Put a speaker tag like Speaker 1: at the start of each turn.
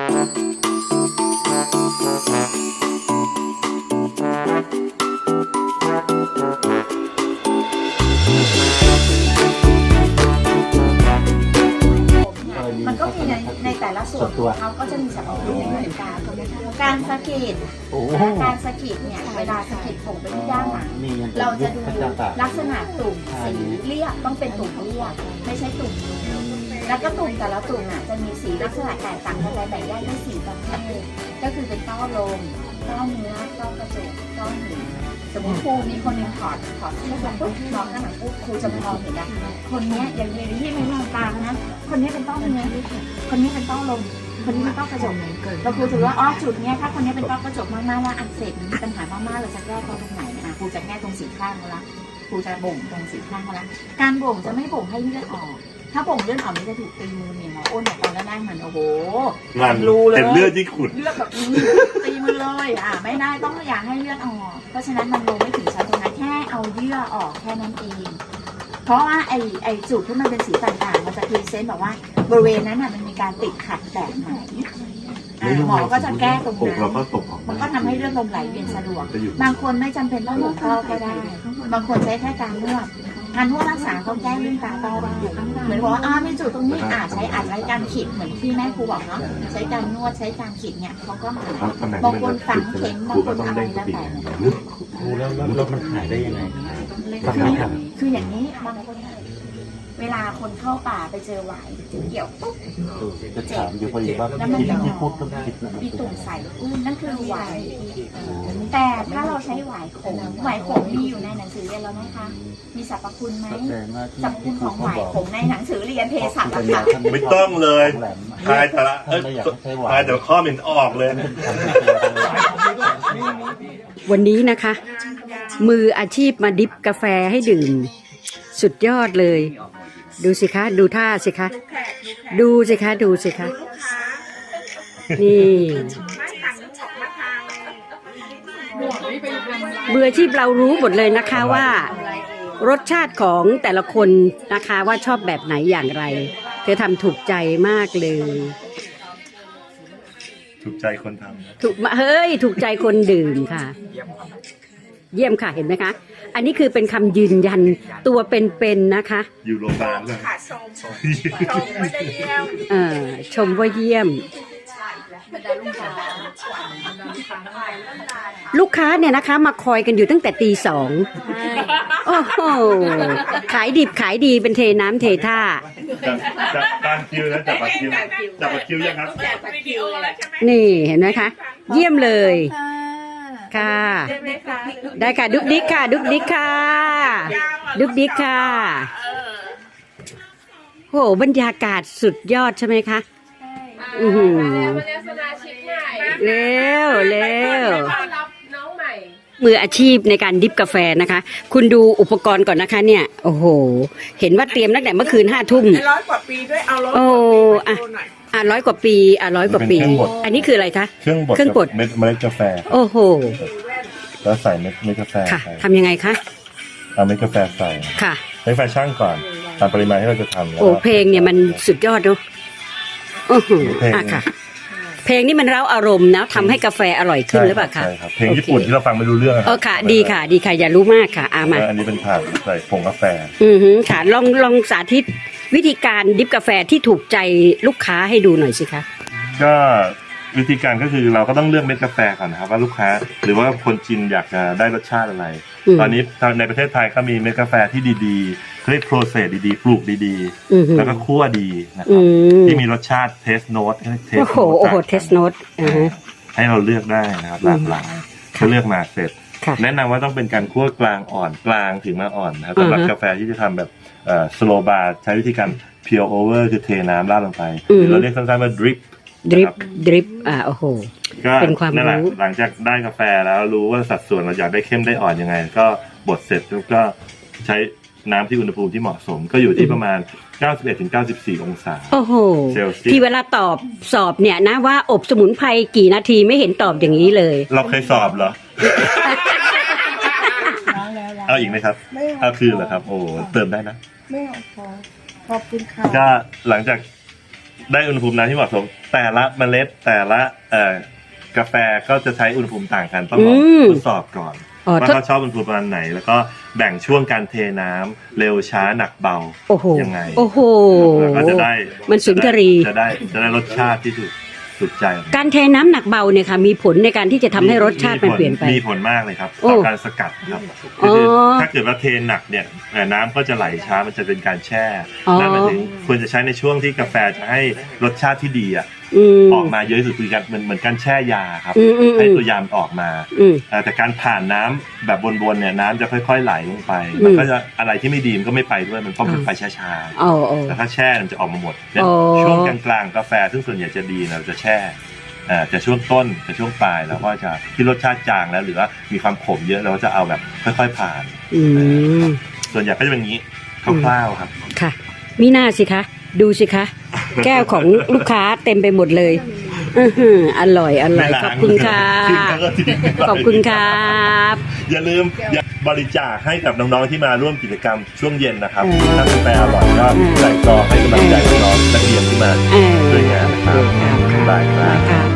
Speaker 1: มันก็มีในแต่ละส่วนของเขาก็จะมีสรรพคุณไม่เหมือนกันการสะกิดเนี่ยเวลาสะกิดผมไปที่ด้านหลังเราจะดูลักษณะตุ่มสีเรียบต้องเป็นตุ่มเรียบไม่ใช่ตุ่มแล้วก็ตุ่มแต่ละตุ่มอ่ะจะมีสีลักษณะแตกต่างกันไปแบ่งได้ด้วยสีประเภทก็คือเป็นต้อลมต้อเนื้อต้อกระจกต้อหินสมมติครูมีคนหนึ่งถอดเสื้อปุ๊บมองข้างหลังปุ๊บครูจะมองเห็นนะคนนี้อย่างนี้ที่ไม่มองตามนะคนนี้เป็นต้อเนื้อคนนี้เป็นต้อลมคนนี้เป็นต้อกระจกเราครูถือว่าอ๋อจุดเนี้ยถ้าคนนี้เป็นต้อกระจกมากๆแล้วอักเสบมีปัญหามากๆเราจะแก้ตรงไหนนะครูจะแก้ตรงสีข้างแล้วครูจะบ่งตรงสีข้างแล้วการบ่งจะไม่บ่งให้เลือดออกถ้าบ่งเลือดออกมันจะถูกตีมือเนี่ยหมออ้นบอกตอนแรกมันโอ้โหรูเลย
Speaker 2: เลือดที่ขุด
Speaker 1: เลือดแบบตีมือเลยไม่ได้ต้องอยากให้เลือดออกเพราะฉะนั้นมันลงไม่ถึงชั้นตรงนั้นแค่เอาเยื่อออกแค่นั้นเองเพราะว่าไอจุดที่มันเป็นสีต่างๆมันจะพรีเซนต์แบบว่าบริเวณนั้นมันมีการติดขัดแบบไหนหมอก็จะแก้ตรงนั้นมันก็ทำให้เลือดลมไหลเวียนสะดวกบางคนไม่จำเป็นต้องหลบท่อก็ได้บางคนใช้แค่การนวดรักษาเขาแก้เรื่องตาต้อได้เหมือนบอกว่ามีจุดตรงนี้ใช้อัดไว้การขีดเหมือนที่แม่ครูบอกเนาะใช้การนวดใช้การขีดเนี่ยเขาก็หายบางคนฝังเข็มบางคนอะไรแล้วแต่
Speaker 2: แล้วมันหายได้ยังไง
Speaker 1: คืออย่างนี้บางคนเวลาคนเข้าป่าไปเจอหวายเกี่ยวปุ๊บ
Speaker 2: จะถามอยู่พอดีว่าที่พูดต้องคิด
Speaker 1: มีตุ่มใสนั่นคือหวายแต่ถ้าเราใช้หวายขมมีอยู่ในหนังสือเรียนแล้วนะคะมีสรรพคุณไหมสรรพคุณของหวายขมในหนังสือเรียนเภสัชนะคะ
Speaker 2: ไม่ต้องเลยทายแต่ละทายแต่ข้อมันออกเลย
Speaker 3: วันนี้นะคะมืออาชีพมาดิฟกาแฟให้ดื่มสุดยอดเลยดูสิคะดูท่าสิคะดูสิคะนี่มืออาชีพเรารู้หมดเลยนะคะว่ารสชาติของแต่ละคนนะคะว่าชอบแบบไหนอย่างไรเธอทำถูกใจมากเลย
Speaker 2: ถูกใจคนทำ
Speaker 3: ถูกใจคนดื่มค่ะเยี่ยมค่ะเห็นไหมคะอันนี้คือเป็นคำยืนยันตัวเป็นๆนะคะ
Speaker 2: อยู่โรงพยาบาลเลย
Speaker 3: ชมว่าเยี่ยมลูกค้าเนี่ยนะคะมาคอยกันอยู่ตั้งแต่ตีสองโอ้โหขายดิบขายดีเป็นเทน้ำเทท่า
Speaker 2: จับการคิวแล้วจับบัตรคิวยังครับ
Speaker 3: นี่เห็นไหมคะเยี่ยมเลยค่ะได้ค่ะดุ๊กดิ๊กค่ะโหบรรยากาศสุดยอดใช่ไหมคะเร็วมืออาชีพในการดิฟกาแฟนะคะคุณดูอุปกรณ์ก่อนนะคะเนี่ยโอ้โหเห็นว่าเตรียมตั้งแต่เมื่อคืน5 ทุ่ม
Speaker 4: 100 กว่าปีด้วยเอา
Speaker 3: 100 กว่าปี100 กว่าปีอันนี้คืออะไรคะ
Speaker 2: เครื่องบดเมล็ดกาแฟ
Speaker 3: โอ้โห
Speaker 2: แล้วใส่เม็ดกาแฟ
Speaker 3: ค่ะทำยังไงคะ
Speaker 2: เอาเม็ดกาแฟใส่
Speaker 3: ค่ะ
Speaker 2: เม็ดกาแฟช่างก่อนตามปริมาณที่เราจะทำ
Speaker 3: โอ้เพลงเนี่ยมันสุดยอดเนาะโอ้โหค่ะเพลงนี้มันเร้าอารมณ์นะทำให้กาแฟอร่อยขึ้นหรือเปล่าคะ
Speaker 2: ใช่ครับเพลงญี่ปุ่นที่เราฟังไม่รู้เรื่อง
Speaker 3: ค่ะดีค่ะอย่ารู้มากค่ะมา
Speaker 2: อันนี้เป็นถาดใส่ผงกาแฟ
Speaker 3: ค่ะลองสาธิตวิธีการดิฟกาแฟที่ถูกใจลูกค้าให้ดูหน่อยสิคะ
Speaker 2: ก็วิธีการก็คือเราก็ต้องเลือกเม็ดกาแฟก่อนนะครับว่าลูกค้าหรือว่าคนชิมอยากจะได้รสชาติอะไรตอนนี้ในประเทศไทยก็มีเม็ดกาแฟที่ดีๆเรียกโปรเซสดีๆปลูกดีๆแล้วก็คั่วดีนะครับที่มีรสชาติเทสโนต
Speaker 3: โอ้โหเทสโนต
Speaker 2: ให้เราเลือกได้นะครับหลากหลายถ้าเลือกมาเสร็จแนะนำว่าต้องเป็นการคั่วกลางอ่อนกลางถึงมาอ่อนนะครับสำหรับกาแฟที่จะทำแบบสโลบาร์ใช้วิธีการเพียวโอเวอร์คือเทน้ำราดลงไปเราเรียกสั้นๆว่าดริป
Speaker 3: โอ้โห
Speaker 2: ก็นั่นแหละหลังจากได้กาแฟแล้วรู้ว่าสัดส่วนเราอยากได้เข้มได้อ่อนยังไงก็บดเสร็จแล้วก็ใช้น้ำที่อุณหภูมิที่เหมาะสมก็อยู่ที่ประมาณ 91-94 องศา
Speaker 3: เซลเซียสที่เวลาสอบเนี่ยนะว่าอบสมุนไพรกี่นาทีไม่เห็นตอบอย่างนี้เลย
Speaker 2: เราเคยสอบเหรอเอาอีกไหมครับเอาคือเหรอครับโอ้เติมได้นะ
Speaker 4: ไม่เอาขอบคุณค่ะ
Speaker 2: ก็หลังจากได้อุณหภูมิน้ำที่เหมาะสมแต่ละเมล็ดแต่ละกาแฟก็จะใช้อุณหภูมิต่างกันต้องลองทดสอบก่อนว่าเขาชอบอุณหภูมิประมาณไหนแล้วก็แบ่งช่วงการเทน้ำเร็วช้าหนักเบายังไง
Speaker 3: โอ้โห
Speaker 2: แล้วก็จะได้
Speaker 3: มันสุนทรี
Speaker 2: จะได้รสชาติที่ถูกใจ
Speaker 3: การเทน้ำหนักเบาเนี่ยค่ะมีผลในการที่จะทำให้รสชาติมันเปลี่ยนไป
Speaker 2: มีผลมากเลยครับต่อการสกัดครับคือถ้าเกิดว่าเทหนักเนี่ยน้ำก็จะไหลช้ามันจะเป็นการแช่นั่นหมายถึงควรจะใช้ในช่วงที่กาแฟจะให้รสชาติที่ดีออกมาเยอะที่สุดคือการเหมือนการแช่ยาครับให้ตัวยาออกมาแต่การผ่านน้ำแบบวนๆเนี่ยน้ำจะค่อยๆไหลลงไปมันก็จะอะไรที่ไม่ดีมันก็ไม่ไปด้วยมันต้องไปช้าๆแต่ถ้าแช่มันจะออกมาหมดช่วงกลางๆกาแฟซึ่งส่วนใหญ่จะดีเราจะแช่จะช่วงต้นจะช่วงปลายแล้วก็จะที่รสชาติจางแล้วหรือว่ามีความขมเยอะเราก็จะเอาแบบค่อยๆผ่านส่วนใหญ่ก็จะเป็นอย่างนี้คร่าวๆครับ
Speaker 3: ค่ะมีหน้าสิคะดูสิคะแก้วของลูกค้าเต็มไปหมดเลยอร่อยขอบคุณค่ะขอบคุณครับ
Speaker 2: อย่าลืมบริจาคให้กับน้องๆที่มาร่วมกิจกรรมช่วงเย็นนะครับถ้ากาแฟอร่อยก็ใส่ซองให้กำลังใจน้องๆนักเรียนที่มาด้วยงานนะครับได้ครับ